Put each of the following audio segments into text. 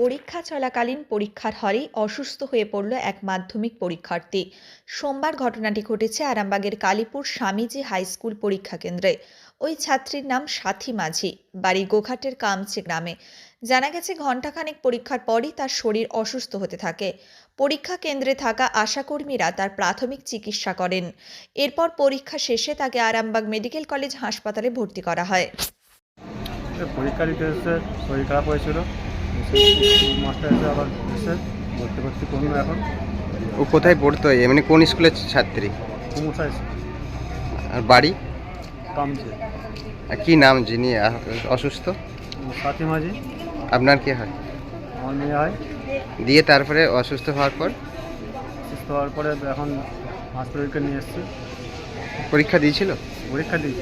পরীক্ষা চলাকালীন পরীক্ষার হলেই অসুস্থ হয়ে পড়ল এক মাধ্যমিক পরীক্ষার্থী। সোমবার ঘটনাটি ঘটেছে আরামবাগের কালীপুর স্বামীজি হাই স্কুল পরীক্ষা কেন্দ্রে। ওই ছাত্রীর নাম সাথী মাঝি, বাড়ি গোঘাটের কামচে গ্রামে। জানা গেছে ঘণ্টাখানেক পরীক্ষার পরই তার শরীর অসুস্থ হতে থাকে। পরীক্ষা কেন্দ্রে থাকা আশাকর্মীরা তার প্রাথমিক চিকিৎসা করেন। এরপর পরীক্ষা শেষে তাকে আরামবাগ মেডিকেল কলেজ হাসপাতালে ভর্তি করা হয়। পরীক্ষা দিতে এসে শরীর খারাপ হয়েছিল, মাস্টার এসে আবার এসে ভর্তি করুন। এখন ও কোথায় পড়তো? এমনি কোন স্কুলের ছাত্রী? কুমুসা স্কুল। আর বাড়ি? কামছে। আর কি নাম যিনি অসুস্থ? সাথী মাঝি। আপনার কি হয়? আমার মেয়ে হয়। দিয়ে তারপরে অসুস্থ হওয়ার পর? সুস্থ হওয়ার পরে এখন হাসপাতালকে নিয়ে এসেছি। পরীক্ষা দিয়েছিল? পরীক্ষা দিয়েছি।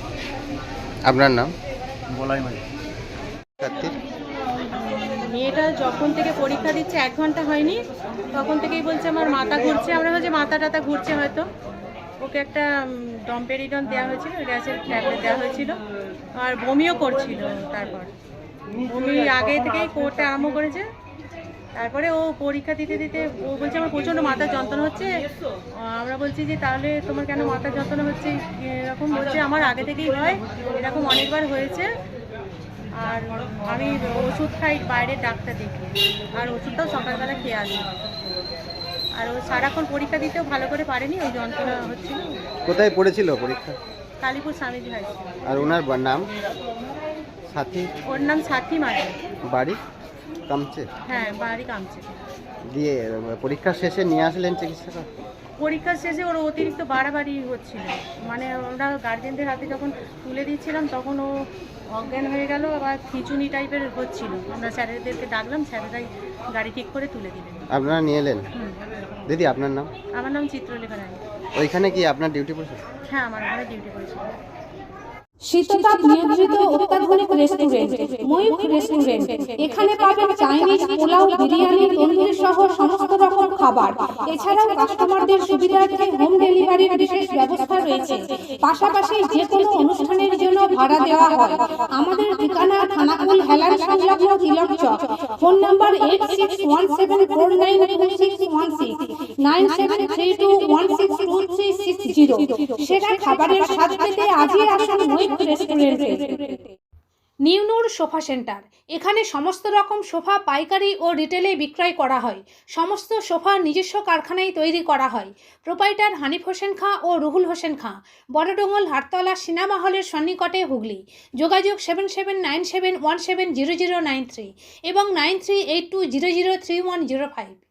আপনার নাম? বলাই মাঝি। ছাত্রীর মেয়েটা যখন থেকে পরীক্ষা দিচ্ছে 1 ঘন্টা হয়নি, তখন থেকেই বলছে আমার মাথা ঘুরছে। আমরা ভাবছি মাথা টাথা ঘুরছে হয়তো। ওকে একটা ডম্পেরিডন দেওয়া হয়েছিল, গ্যাসের ট্যাবলেট দেওয়া হয়েছিল, আর বমিও করছিল। তারপর বমি আগে থেকেই করতে আরম্ভ করেছে। তারপরে ও পরীক্ষা দিতে দিতে ও বলছে আমার প্রচণ্ড মাথার যন্ত্রণা হচ্ছে। আমরা বলছি যে তাহলে তোমার কেন মাথার যন্ত্রণা হচ্ছে? এরকম বলছে আমার আগে থেকেই হয়, এরকম অনেকবার হয়েছে। আর আমি ওষুধ খাই বাইরের ডাক্তার দেখি, আর ওষুধটাও সকালবেলা খেয়ে আসি। আর ও সারাক্ষণ পরীক্ষা দিতেও ভালো করে পারেনি, ওই যন্ত্রণা হচ্ছিল। কোথায় পড়েছিল পরীক্ষা? Kalipur Swamiji high school. আর ওনার নাম? সাথী? ওর নাম সাথী মাঝি। বাড়ি কামচে? হ্যাঁ, বাড়ি কামচে। দিয়ে পরীক্ষা শেষে নিয়ে আসলেন চিকিৎসা? পরীক্ষা শেষে ওর অতিরিক্ত বাড়াবাড়ি হচ্ছিল, মানে আমরা গার্জেনদের হাতে যখন তুলে দিচ্ছিলাম তখন ও অজ্ঞান হয়ে গেল, আবার খিঁচুনি টাইপের হচ্ছিল। আমরা স্যারেদেরকে ডাকলাম, স্যারেরাই গাড়ি ঠিক করে তুলে দিলেন। আপনারা নিয়ে এলেন? দিদি আপনার নাম? আমার নাম চিত্রলেখা রায়। ওইখানে কি আপনার ডিউটি পড়েছে? হ্যাঁ, আমার ওখানে ডিউটি করেছিল। শীততাপ নিয়ন্ত্রিত অত্যাধুনিক রেস্টুরেন্ট ময়ূখ রেস্টুরেন্ট। এখানে পাবেন চাইনিজ, পোলাও, বিরিয়ানি, তন্দুরি সহ সমস্ত রকম খাবার। এছাড়াও কাস্টমারদের সুবিধার্থে হোম ডেলিভারির বিশেষ ব্যবস্থা রয়েছে। পাশাপাশি যে কোনো অনুষ্ঠানের জন্য ভাড়া দেওয়া হয়। আমাদের ঠিকানা থানাকুল হেলান সংলগ্ন তিলক চক। Phone number 8617492616 9732162360। সেরা খাবারের স্বাদ পেতে আজই আসুন ময়ূখ রেস্টুরেন্টে। New Noor sofa centre. এখানে সমস্ত রকম সোফা পাইকারি ও রিটেলে বিক্রয় করা হয়। সমস্ত সোফা নিজস্ব কারখানায় তৈরি করা হয়। প্রোপাইটার হানিফ হোসেন খাঁ ও রুহুল হোসেন খাঁ, বড়ডোঙ্গল, হাটতলা, সিনেমা হলের সন্নিকটে, হুগলি। যোগাযোগ 7797170093 এবং 9382003105।